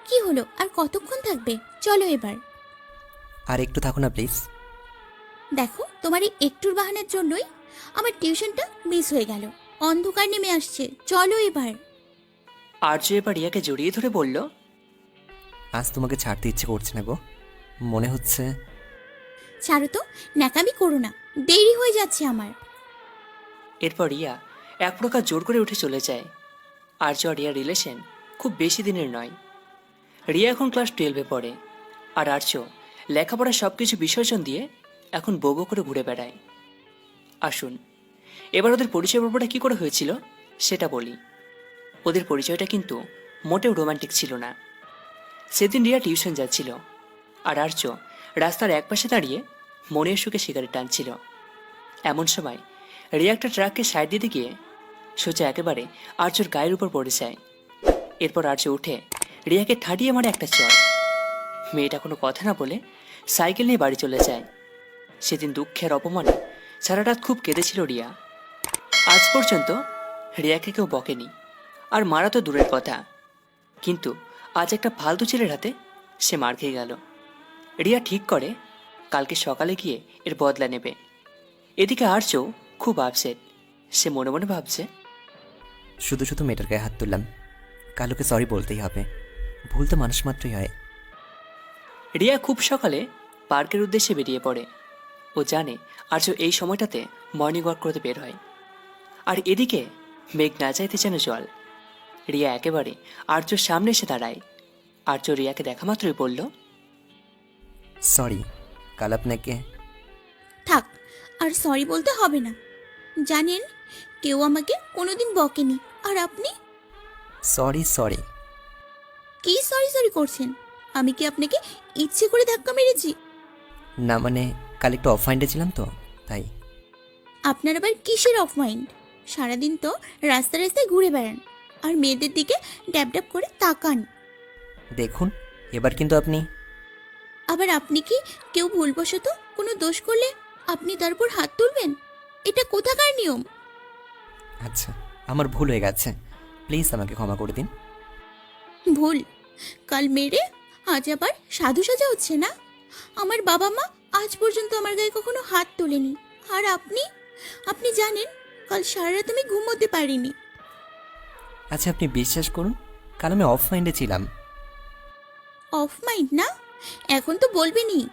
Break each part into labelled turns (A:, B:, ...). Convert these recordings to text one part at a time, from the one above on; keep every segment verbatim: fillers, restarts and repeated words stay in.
A: কি হলো, আর কতক্ষণ থাকবে? চলো এবার।
B: আর একটু থাকো না প্লিজ।
A: দেখো, তোমার এই একটুর বাহানার জন্যই আমার টিউশনটা মিস হয়ে গেল। অন্ধকার নেমে আসছে, চলো এবার।
C: আর্য এবার রিয়াকে জড়িয়ে ধরে বলল,
B: আজ তোমাকে ছাড়তে ইচ্ছে করছে না গো। মনে হচ্ছে
A: ছাড়ো তো, ন্যাকামি করো না, দেরি হয়ে যাচ্ছে আমার।
C: এরপর রিয়া এক প্রকার জোর করে উঠে চলে যায়। আর্য আর রিয়ার রিলেশন খুব বেশি দিনের নয়। রিয়া এখন ক্লাস টুয়েলভে পড়ে, আর আর্য লেখাপড়ার সব কিছু বিসর্জন দিয়ে এখন বউ বউ করে ঘুরে বেড়ায়। আসুন, এবার ওদের পরিচয় পর্বটা কী করে হয়েছিল সেটা বলি। ওদের পরিচয়টা কিন্তু মোটেও রোমান্টিক ছিল না। সেদিন রিয়া টিউশন যাচ্ছিল, আর আর্য রাস্তার একপাশে দাঁড়িয়ে মনের সুখে সিগারেট টানছিল। এমন সময় রিয়া একটা ট্রাককে সাইড দিতে গিয়ে সোজা একেবারে আর্যর গায়ের উপর পড়ে যায়। এরপর আর্য উঠে রিয়াকে ঠাটিয়ে মারে একটা চড়। মেয়েটা কোনো কথা না বলে সাইকেল নিয়ে বাড়ি চলে যায়। সেদিন দুঃখের অপমানে সারা রাত খুব কেঁদেছিল রিয়া। আজ পর্যন্ত রিয়াকে কেউ বকেনি, আর মারা তো দূরের কথা, কিন্তু আজ একটা ফালতু ছেলের হাতে সে মার খেয়ে গেল। রিয়া ঠিক করে কালকে সকালে গিয়ে এর বদলা নেবে। এদিকে আর্য খুব আপসেট। সে মনে মনে ভাবছে,
B: শুধু শুধু মেয়েটার গায়ে হাত তুললাম। কালুকে সরি বলতেই হবে। ভুল তো মানুষ মাত্রই হয়।
C: রিয়া খুব সকালে পার্কের উদ্দেশ্যে বেরিয়ে পড়ে। ও জানে আর্য এই সময়টাতে মর্নিং ওয়াক করতে বের হয়। আর এদিকে মেঘ না চাইতে যেন জল। রিয়া একেবারে আর্যর সামনে এসে দাঁড়ায়। আর্য রিয়াকে দেখা মাত্রই বলল,
B: সরি, কাল আপনাকে।
A: থাক, আর সরি বলতে হবে না। জানেন, কেউ আমাকে কোনোদিন বকেনি, আর আপনি
B: সরি সরি।
A: কি সরি সরি করছেন? আমি কি আপনাকে ইচ্ছে করে ধাক্কা মেরেছি?
B: না মানে, কাল একটু অফ মাইন্ডে ছিলাম তো, তাই।
A: আপনার আবার কিসের অফ মাইন্ড? সারাদিন তো রাস্তা রাস্তায় ঘুরে বেড়ান, আর মেয়েদের দিকে ড্যাব ড্যাব করে তাকান।
B: দেখুন, এবার কিন্তু আপনি।
A: আবার আপনি কি কেউ ভুলবশত কোনো দোষ করলে আপনি তার উপর হাত তুলবেন? এটা কোথাকার নিয়ম?
B: আচ্ছা, আমার ভুল হয়ে গেছে। প্লিজ আমাকে ক্ষমা করে দিন।
A: ভুল? কাল মেরে আজ আবার সাধু সাজা হচ্ছে না? আমার বাবা মা আজ পর্যন্ত আমার গায়ে কখনো হাত তোলেনি, আর আপনি আপনি জানেন, কাল সারা রাত আমি ঘুমোতে পারিনি।
B: আচ্ছা, আপনি বিশ্বাস করুন, কাল আমি অফ মাইন্ডে ছিলাম।
A: অফ মাইন্ড না? এখন তো বলবেনই।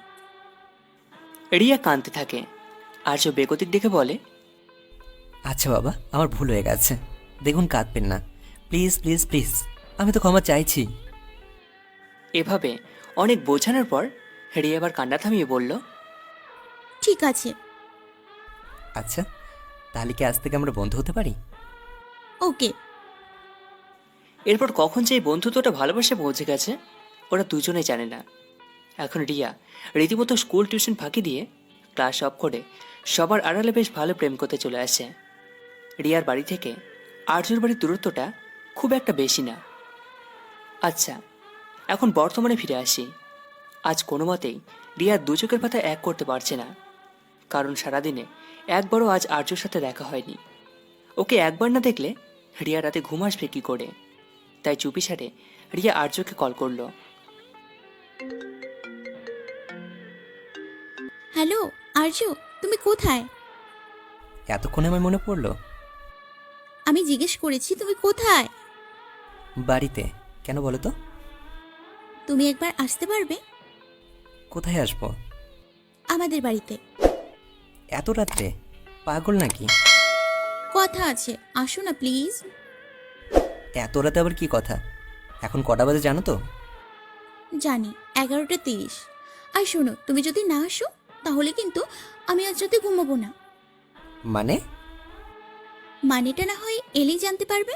C: রিয়া কাঁদতে থাকে। আর্য বেগতিক দেখে বলে,
B: আচ্ছা বাবা, আমার ভুল হয়ে গেছে। দেখুন, কাঁদবেন না, প্লিজ প্লিজ প্লিজ। আমি তো ক্ষমা চাইছি।
C: এভাবে অনেক বোঝানোর পর রিয়া এবার কান্না থামিয়ে বলল,
A: ঠিক আছে।
B: আচ্ছা, তাহলে কি আজ থেকে আমরা বন্ধু হতে পারি?
A: ওকে।
C: এরপর কখন যে এই বন্ধুত্বটা ভালোবাসে পৌঁছে গেছে ওরা দুজনেই জানে না। এখন রিয়া রীতিমতো স্কুল টিউশন ফাঁকি দিয়ে ক্লাস অফ করে সবার আড়ালে বেশ ভালো প্রেম করতে চলে আসে। রিয়ার বাড়ি থেকে আর্যর বাড়ির দূরত্বটা খুব একটা বেশি না। আচ্ছা, এখন বর্তমানে ফিরে আসি। আজ কোনো মতেই রিয়ার দু চোখের পাতা এক করতে পারছে না, কারণ সারাদিনে একবারও আজ আর্যর সাথে দেখা হয়নি। ওকে একবার না দেখলে রিয়া রাতে ঘুম আসবে কি করে? তাই চুপিসারে রিয়া আর্যকে কল করলো।
A: হ্যালো আর্য, তুমি কোথায়?
B: এতক্ষণে আমার মনে পড়লো।
A: আমি জিজ্ঞেস করেছি তুমি কোথায়।
B: বাড়িতে। কেন বলো তো?
A: তুমি একবার আসতে পারবে?
B: কোথায় আসবো?
A: আমাদের বাড়িতে।
B: এত রাত্রে? পাগল নাকি?
A: কথা আছে, আসো না প্লিজ।
B: এত রাতে আবার কি কথা? এখন কটা বাজে জানো তো?
A: জানি, এগারোটা তিরিশ। আর শোনো, তুমি যদি না আসো তাহলে কিন্তু আমি আজ রাতে ঘুমাবো না।
B: মানে?
A: মানেটা না হয় এলেই জানতে পারবে।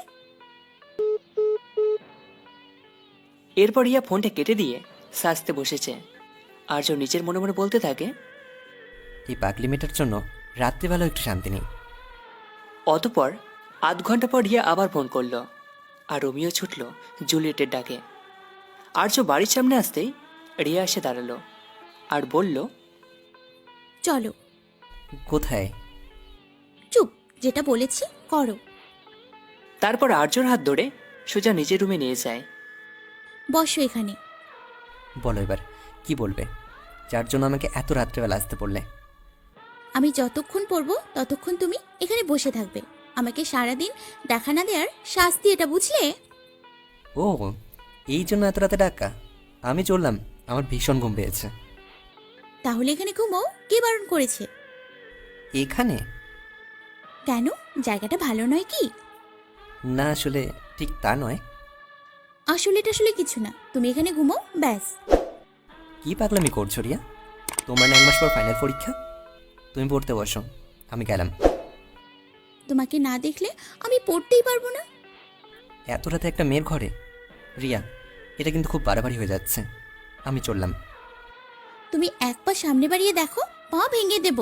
C: এরপর রিয়া ফোনটা কেটে দিয়ে সাজতে বসেছে। আর্য নিজের মনে মনে বলতে থাকে,
B: এই পাগলি মেয়েটার জন্য রাত্রিবেলা একটু শান্তি নেই।
C: অতপর আধ ঘন্টা পর রিয়া আবার ফোন করলো, আর রোমিও ছুটল জুলিয়েটের ডাকে। আর্য বাড়ির সামনে আসতেই রিয়া এসে দাঁড়ালো আর বলল,
A: চলো।
B: কোথায়?
A: চুপ, যেটা বলেছি করো।
C: তারপর আর্যর হাত ধরে সোজা নিজের রুমে নিয়ে যায়।
A: বসো এখানে।
B: বলো এবার কি বলবে, যার জন্য আমাকে এত রাত্রেবেলা আসতে পড়লে?
A: আমি যতক্ষণ পড়বো ততক্ষণ তুমি এখানে বসে থাকবে। আমাকে সারাদিন দেখা না দেওয়ার শাস্তি এটা, বুঝলে?
B: ও, এই জন্য এত রাতে ডাকা? আমি চললাম, আমার ভীষণ ঘুম পেয়েছে।
A: তাহলে এখানে ঘুমো, কে বারণ করেছে?
B: এখানে?
A: কেন, জায়গাটা ভালো নয় কি?
B: না, আসলে ঠিক তা নয়।
A: আসলে এটা আসলে কিছু না, তুমি এখানে ঘুমো ব্যাস।
B: কি পাগলামি করছো রিয়া? তোমার না এক মাস পর ফাইনাল পরীক্ষা? তুমি পড়তে বসো, আমি গেলাম।
A: তোমাকে না দেখলে আমি পড়তেই পারবো না।
B: এত রাতে একটা মেয়ের ঘরে? রিয়া, এটা কিন্তু খুব বাড়াবাড়ি হয়ে যাচ্ছে। আমি চললাম।
C: তুমি
A: এক পা সামনে বাড়িয়ে দেখো, পা ভেঙে দেব।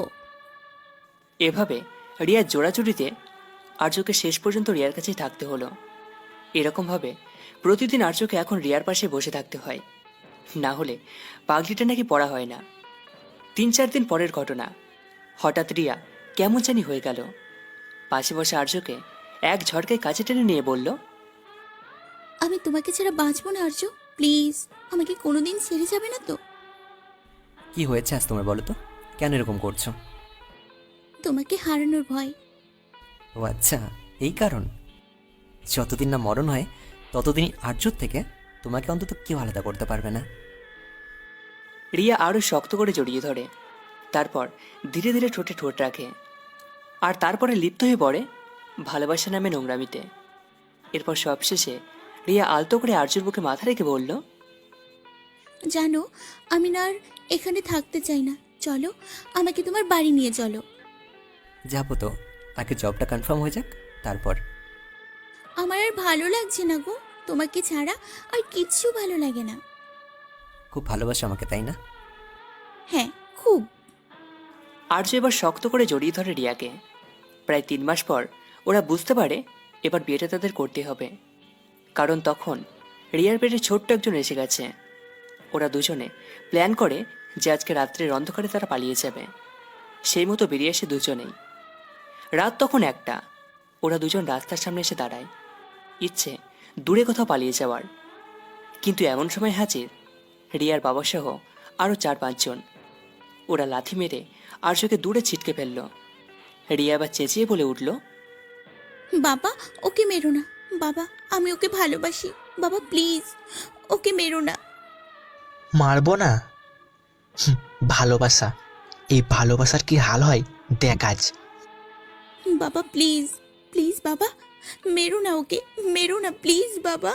C: এভাবে রিয়ার জোড়াজুড়িতে আর্যকে শেষ পর্যন্ত রিয়ার কাছেই থাকতে হলো। এরকমভাবে প্রতিদিন আর্যকে এখন রিয়ার পাশে বসে থাকতে হয়, না হলে পাগলিটা নাকি পড়া হয় না। তিন চার দিন পরের ঘটনা, হঠাৎ রিয়া কেমন জানি হয়ে গেল। পাশে বসে আর্যকে এক ঝটকায় কাছে টেনে নিয়ে বলল,
A: আমি তোমাকে ছাড়া বাঁচবো না আর্য, প্লিজ আমাকে কোনোদিন ছেড়ে যাবে না তো?
B: কি হয়েছে আজ তোমার, বলো তো? কেন এরকম করছো?
A: তোমাকে হারানোর ভয়।
B: ও আচ্ছা, এই কারণ। যতদিন না মরণ হয় ততদিনই আর্যর থেকে তোমাকে অন্তত কেউ আলাদা করতে পারবে না।
C: রিয়া আরও শক্ত করে জড়িয়ে ধরে, তারপর ধীরে ধীরে ঠোঁটে ঠোঁট রাখে, আর তারপরে লিপ্ত হয়ে পড়ে ভালোবাসা নামে নোংরামিতে। এরপর সবশেষে রিয়া আলতো করে আর্যর বুকে মাথা রেখে বলল,
A: জানো, আমি না আর এখানে থাকতে চাই না, চলো আমাকে তোমার বাড়ি নিয়ে চলো।
B: যাবো তো, আগে জবটা কনফার্ম হয়ে যাক, তারপর।
A: আমার আর ভালো লাগছে না গো, তোমাকে ছাড়া আর কিচ্ছু ভালো লাগে না।
B: খুব ভালোবাসো আমাকে, তাই না?
A: হ্যাঁ, খুব।
C: আর্য এবার শক্ত করে জড়িয়ে ধরে রিয়াকে। প্রায় তিন মাস পর ওরা বুঝতে পারে এবার বিয়েটা তাদের করতে হবে, কারণ তখন রিয়ার পেটে ছোট্ট একজন এসে গেছে। ওরা দুজনে প্ল্যান করে যে আজকে রাত্রের অন্ধকারে তারা পালিয়ে যাবে। সেই মতো বেরিয়ে আসে দুজনেই। রাত তখন একটা। ওরা দুজন রাস্তার সামনে এসে দাঁড়ায়, ইচ্ছে দূরে কোথাও পালিয়ে যাওয়ার। কিন্তু এমন সময় হাজির রিয়ার বাবা সহ আরও চার পাঁচজন। ওরা লাথি মেরে আর্যকে দূরে ছিটকে ফেলল। রিয়া আবার চেঁচিয়ে বলে উঠল,
A: বাবা, ওকে মেরো না বাবা, আমি ওকে ভালোবাসি বাবা, প্লিজ ওকে মেরো না।
D: মারবো না? হুম, ভালোবাসা, এই ভালোবাসার কি হাল হয় দেখ আজ।
A: বাবা প্লিজ, প্লিজ বাবা, মেরো না ওকে, মেরো না প্লিজ বাবা।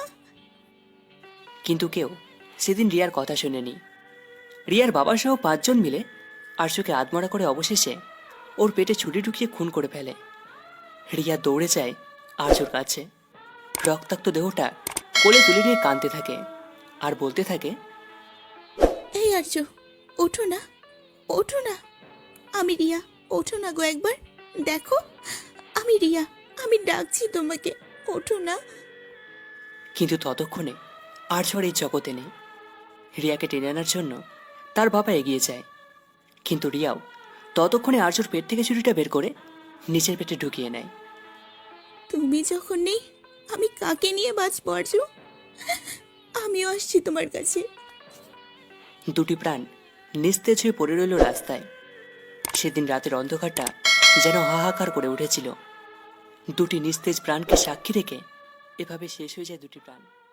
C: কিন্তু কেউ সেদিন রিয়ার কথা শোনেনি। রিয়ার বাবা সহ পাঁচজন মিলে আর্যকে আধমরা করে অবশেষে ওর পেটে ছুরি ঢুকিয়ে খুন করে ফেলে। রিয়া দৌড়ে যায় আর্যর কাছে, রক্তাক্ত দেহটা কোলে তুলে নিয়ে কাঁদতে থাকে আর বলতে থাকে,
A: এই আর্য, ওঠো না, ওঠো না, আমি রিয়া, ওঠো না গো একবার, দেখো আমি রিয়া, আমি ডাকছি তোমাকে, ওঠো না।
C: কিন্তু ততক্ষণে আর্য আর এই জগতে নেই। রিয়াকে টেনে আনার জন্য তার বাবা এগিয়ে যায়, কিন্তু রিয়াও ততক্ষণে আর্যর পেট থেকে ছুরিটা বের করে নিচের পেটে ঢুকিয়ে নেয়।
A: তুমি যখন নেই আমি কাকে নিয়ে বাঁচবো আর্য? আমিও আসছি তোমার কাছে।
C: দুটি প্রাণ নিস্তেজ হয়ে পড়ে রইল রাস্তায়। সেদিন রাতের অন্ধকারটা যেন হাহাকার করে উঠেছিল। দুটি নিস্তেজ প্রাণকে সাক্ষী রেখে এভাবে শেষ হয়ে যায় দুটি প্রাণ।